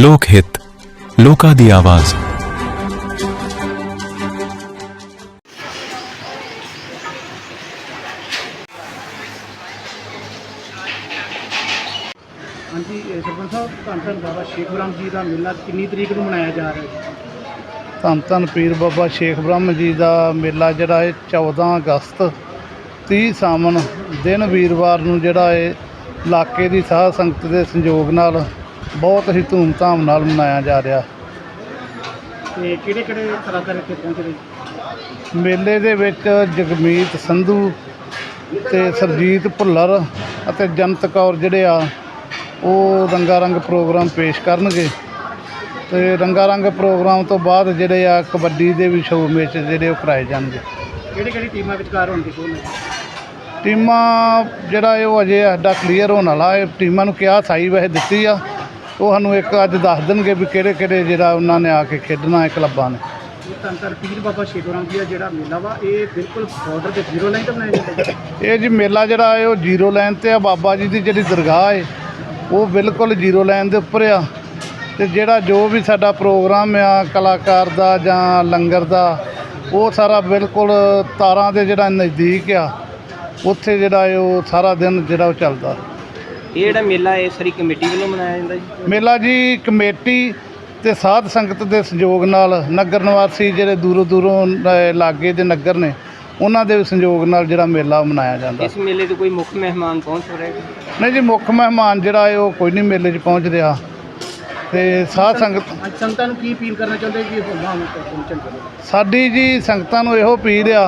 ਲੋਕ ਹਿੱਤ, ਲੋਕਾਂ ਦੀ ਆਵਾਜ਼। ਹਾਂਜੀ ਸਰਪੰਚ ਸਾਹਿਬ, ਧੰਨ ਧੰਨ ਬਾਬਾ ਸ਼ੇਖ ਬ੍ਰਹਮ ਜੀ ਦਾ ਮੇਲਾ ਕਿੰਨੀ ਤਰੀਕ ਨੂੰ ਮਨਾਇਆ ਜਾ ਰਿਹਾ ਹੈ? ਧੰਨ ਧੰਨ ਪੀਰ ਬਾਬਾ ਸ਼ੇਖ ਬ੍ਰਹਮ ਜੀ ਦਾ ਮੇਲਾ ਜਿਹੜਾ ਹੈ 14 ਅਗਸਤ 30 ਸਾਵਣ ਦਿਨ ਵੀਰਵਾਰ ਨੂੰ ਜਿਹੜਾ ਹੈ ਇਲਾਕੇ ਦੀ ਸਾਧ ਸੰਗਤ ਦੇ ਸੰਯੋਗ ਨਾਲ ਬਹੁਤ ਹੀ ਧੂਮਧਾਮ ਨਾਲ ਮਨਾਇਆ ਜਾ ਰਿਹਾ। ਤੇ ਕਿਹੜੇ ਕਿਹੜੇ ਕਲਾਕਾਰ ਇੱਥੇ ਪਹੁੰਚ ਰਹੇ? ਮੇਲੇ ਦੇ ਵਿੱਚ ਜਗਮੀਤ ਸੰਧੂ ਤੇ ਸਰਜੀਤ ਭੁੱਲਰ ਅਤੇ ਜਨਤ ਕੌਰ ਜਿਹੜੇ ਆ ਉਹ ਰੰਗਾ ਰੰਗ ਪ੍ਰੋਗਰਾਮ ਪੇਸ਼ ਕਰਨਗੇ। ਤੇ ਰੰਗਾ ਰੰਗ ਪ੍ਰੋਗਰਾਮ ਤੋਂ ਬਾਅਦ ਜਿਹੜੇ ਆ ਕਬੱਡੀ ਦੇ ਵੀ ਸ਼ੋਅ ਮੈਚ ਜਿਹੜੇ ਉਹ ਕਰਾਏ ਜਾਣਗੇ। ਕਿਹੜੀ ਕਿਹੜੀ ਟੀਮਾਂ ਵਿਚਕਾਰ ਹੋਣਗੇ ਸ਼ੋਅ? ਟੀਮਾਂ ਜਿਹੜਾ ਇਹ ਉਹ ਅਜੇ ਸਾਡਾ ਕਲੀਅਰ ਹੋਣ ਵਾਲਾ ਹੈ। ਟੀਮਾਂ ਨੂੰ ਕਿਹਾ ਸਾਈ ਵੈਸੇ ਦਿੱਤੀ ਆ, ਉਹ ਸਾਨੂੰ ਇੱਕ ਅੱਜ ਦੱਸ ਦੇਣਗੇ ਵੀ ਕਿਹੜੇ ਕਿਹੜੇ ਜਿਹੜਾ ਉਹਨਾਂ ਨੇ ਆ ਕੇ ਖੇਡਣਾ ਹੈ ਕਲੱਬਾਂ ਨੇ। ਧੰਨ ਧੰਨ ਪੀਰ ਬਾਬਾ ਸ਼ੇਖ ਬ੍ਰਹਮ ਜੀ ਦਾ ਜਿਹੜਾ ਮੇਲਾ ਵਾ ਇਹ ਬਿਲਕੁਲ ਬਾਰਡਰ ਤੇ ਜ਼ੀਰੋ ਲਾਈਨ ਤੇ ਬਣਾਇਆ ਜਾਂਦਾ? ਇਹ ਜੀ ਮੇਲਾ ਜਿਹੜਾ ਹੈ ਉਹ ਜ਼ੀਰੋ ਲਾਈਨ 'ਤੇ ਆ। ਬਾਬਾ ਜੀ ਦੀ ਜਿਹੜੀ ਦਰਗਾਹ ਹੈ ਉਹ ਬਿਲਕੁਲ ਜ਼ੀਰੋ ਲਾਈਨ ਦੇ ਉੱਪਰ ਆ। ਅਤੇ ਜਿਹੜਾ ਜੋ ਵੀ ਸਾਡਾ ਪ੍ਰੋਗਰਾਮ ਆ ਕਲਾਕਾਰ ਦਾ ਜਾਂ ਲੰਗਰ ਦਾ, ਉਹ ਸਾਰਾ ਬਿਲਕੁਲ ਤਾਰਾਂ ਦੇ ਜਿਹੜਾ ਨਜ਼ਦੀਕ ਆ ਉੱਥੇ ਜਿਹੜਾ ਹੈ ਉਹ ਸਾਰਾ ਦਿਨ ਜਿਹੜਾ ਉਹ ਚੱਲਦਾ। ਇਹ ਜਿਹੜਾ ਮੇਲਾ ਇਹ ਸਾਰੀ ਕਮੇਟੀ ਵੱਲੋਂ ਮਨਾਇਆ ਜਾਂਦਾ ਜੀ? ਮੇਲਾ ਜੀ ਕਮੇਟੀ ਅਤੇ ਸਾਧ ਸੰਗਤ ਦੇ ਸਹਿਯੋਗ ਨਾਲ, ਨਗਰ ਨਿਵਾਸੀ ਜਿਹੜੇ ਦੂਰੋਂ ਦੂਰੋਂ ਲਾਗੇ ਦੇ ਨਗਰ ਨੇ ਉਹਨਾਂ ਦੇ ਸਹਿਯੋਗ ਨਾਲ ਜਿਹੜਾ ਮੇਲਾ ਮਨਾਇਆ ਜਾਂਦਾ। ਇਸ ਮੇਲੇ 'ਤੇ ਕੋਈ ਮੁੱਖ ਮਹਿਮਾਨ ਪਹੁੰਚ ਰਹੇ? ਨਹੀਂ ਜੀ, ਮੁੱਖ ਮਹਿਮਾਨ ਜਿਹੜਾ ਹੈ ਉਹ ਕੋਈ ਨਹੀਂ ਮੇਲੇ 'ਚ ਪਹੁੰਚ ਰਿਹਾ। ਅਤੇ ਸਾਧ ਸੰਗਤ ਅੱਜ ਸੰਗਤਾਂ ਨੂੰ ਕੀ ਅਪੀਲ ਕਰਨਾ ਚਾਹੁੰਦੇ ਕਿ ਹੋਮਾਂ ਨੂੰ ਪਹੁੰਚਣ? ਸਾਡੀ ਜੀ ਸੰਗਤਾਂ ਨੂੰ ਇਹੋ ਅਪੀਲ ਆ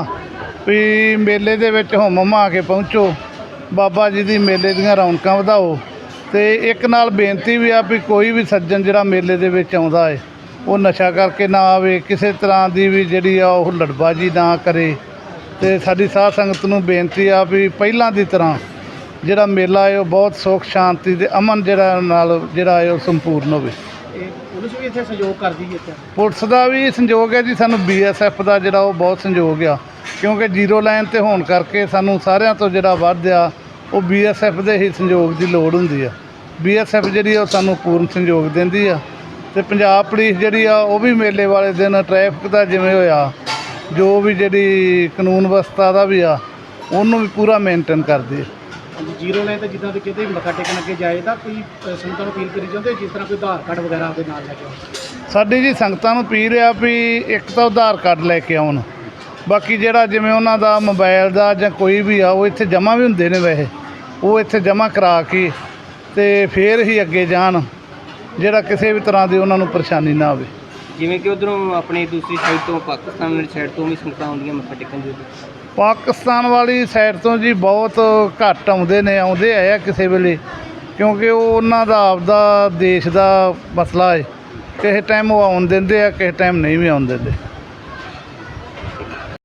ਵੀ ਮੇਲੇ ਦੇ ਵਿੱਚ ਹੁਮ ਹੁਮਾ ਕੇ ਪਹੁੰਚੋ, ਬਾਬਾ ਜੀ ਦੀ ਮੇਲੇ ਦੀਆਂ ਰੌਣਕਾਂ ਵਧਾਓ। ਅਤੇ ਇੱਕ ਨਾਲ ਬੇਨਤੀ ਵੀ ਆ ਵੀ ਕੋਈ ਵੀ ਸੱਜਣ ਜਿਹੜਾ ਮੇਲੇ ਦੇ ਵਿੱਚ ਆਉਂਦਾ ਹੈ ਉਹ ਨਸ਼ਾ ਕਰਕੇ ਨਾ ਆਵੇ, ਕਿਸੇ ਤਰ੍ਹਾਂ ਦੀ ਵੀ ਜਿਹੜੀ ਆ ਉਹ ਲੜਬਾਜੀ ਨਾ ਕਰੇ। ਅਤੇ ਸਾਡੀ ਸਾਧ ਸੰਗਤ ਨੂੰ ਬੇਨਤੀ ਆ ਵੀ ਪਹਿਲਾਂ ਦੀ ਤਰ੍ਹਾਂ ਜਿਹੜਾ ਮੇਲਾ ਹੈ ਉਹ ਬਹੁਤ ਸੁੱਖ ਸ਼ਾਂਤੀ ਅਤੇ ਅਮਨ ਜਿਹੜਾ ਨਾਲ ਜਿਹੜਾ ਹੈ ਉਹ ਸੰਪੂਰਨ ਹੋਵੇ। ਇਹ ਪੁਲਿਸ ਵੀ ਇੱਥੇ ਸਹਿਯੋਗ ਕਰਦੀ ਹੈ? ਇੱਥੇ ਪੁਲਿਸ ਦਾ ਵੀ ਸੰਯੋਗ ਹੈ ਜੀ, ਸਾਨੂੰ BSF ਦਾ ਜਿਹੜਾ ਉਹ ਬਹੁਤ ਸੰਯੋਗ ਆ, ਕਿਉਂਕਿ ਜ਼ੀਰੋ ਲਾਈਨ 'ਤੇ ਹੋਣ ਕਰਕੇ ਸਾਨੂੰ ਸਾਰਿਆਂ ਤੋਂ ਜਿਹੜਾ ਵੱਧ ਆ ਉਹ BSF ਦੇ ਹੀ ਸੰਯੋਗ ਦੀ ਲੋੜ ਹੁੰਦੀ ਆ। BSF ਜਿਹੜੀ ਉਹ ਸਾਨੂੰ ਪੂਰਨ ਸੰਯੋਗ ਦਿੰਦੀ ਆ। ਅਤੇ ਪੰਜਾਬ ਪੁਲਿਸ ਜਿਹੜੀ ਆ ਉਹ ਵੀ ਮੇਲੇ ਵਾਲੇ ਦਿਨ ਟ੍ਰੈਫਿਕ ਦਾ ਜਿਵੇਂ ਹੋਇਆ ਜੋ ਵੀ ਜਿਹੜੀ ਕਾਨੂੰਨ ਵਿਵਸਥਾ ਦਾ ਵੀ ਆ ਉਹਨੂੰ ਵੀ ਪੂਰਾ ਮੇਨਟੇਨ ਕਰਦੀ ਹੈ। ਜ਼ੀਰੋ ਲਾਈਨ ਤੇ ਜਿੱਦਾਂ ਕਿ ਕਿਤੇ ਵੀ ਮੱਥਾ ਟੇਕਣ ਅੱਗੇ ਜਾਏ ਤਾਂ ਕੋਈ ਸੰਗਤਾਂ ਨੂੰ ਅਪੀਲ ਕਰੀ ਚਾਹੁੰਦੇ ਜਿਸ ਤਰ੍ਹਾਂ ਕੋਈ ਆਧਾਰ ਕਾਰਡ ਵਗੈਰਾ ਉਹਦੇ ਨਾਲ ਲੈ ਕੇ ਆਉਣ? ਸਾਡੀ ਜੀ ਸੰਗਤਾਂ ਨੂੰ ਅਪੀਲ ਆ ਵੀ ਇੱਕ ਤਾਂ ਆਧਾਰ ਕਾਰਡ ਲੈ ਕੇ ਆਉਣ, ਬਾਕੀ ਜਿਹੜਾ ਜਿਵੇਂ ਉਹਨਾਂ ਦਾ ਮੋਬਾਈਲ ਦਾ ਜਾਂ ਕੋਈ ਵੀ ਆ ਉਹ ਇੱਥੇ ਜਮ੍ਹਾਂ ਵੀ ਹੁੰਦੇ ਨੇ, ਵੈਸੇ ਉਹ ਇੱਥੇ ਜਮ੍ਹਾਂ ਕਰਾ ਕੇ ਅਤੇ ਫਿਰ ਹੀ ਅੱਗੇ ਜਾਣ, ਜਿਹੜਾ ਕਿਸੇ ਵੀ ਤਰ੍ਹਾਂ ਦੀ ਉਹਨਾਂ ਨੂੰ ਪਰੇਸ਼ਾਨੀ ਨਾ ਆਵੇ। ਜਿਵੇਂ ਕਿ ਉਧਰੋਂ ਆਪਣੀ ਦੂਸਰੀ ਸਾਈਡ ਤੋਂ ਪਾਕਿਸਤਾਨ ਵਾਲੀ ਸਾਈਡ ਤੋਂ ਵੀ ਸੰਗਤਾਂ ਆਉਂਦੀਆਂ ਮੱਥਾ ਟੇਕਣ ਦੇ? ਪਾਕਿਸਤਾਨ ਵਾਲੀ ਸਾਈਡ ਤੋਂ ਜੀ ਬਹੁਤ ਘੱਟ ਆਉਂਦੇ ਨੇ, ਆਉਂਦੇ ਆਏ ਆ ਕਿਸੇ ਵੇਲੇ, ਕਿਉਂਕਿ ਉਹ ਉਹਨਾਂ ਦਾ ਆਪਦਾ ਦੇਸ਼ ਦਾ ਮਸਲਾ ਹੈ। ਕਿਸੇ ਟਾਈਮ ਉਹ ਆਉਣ ਦਿੰਦੇ ਆ, ਕਿਸੇ ਟਾਈਮ ਨਹੀਂ ਵੀ ਆਉਣ ਦਿੰਦੇ।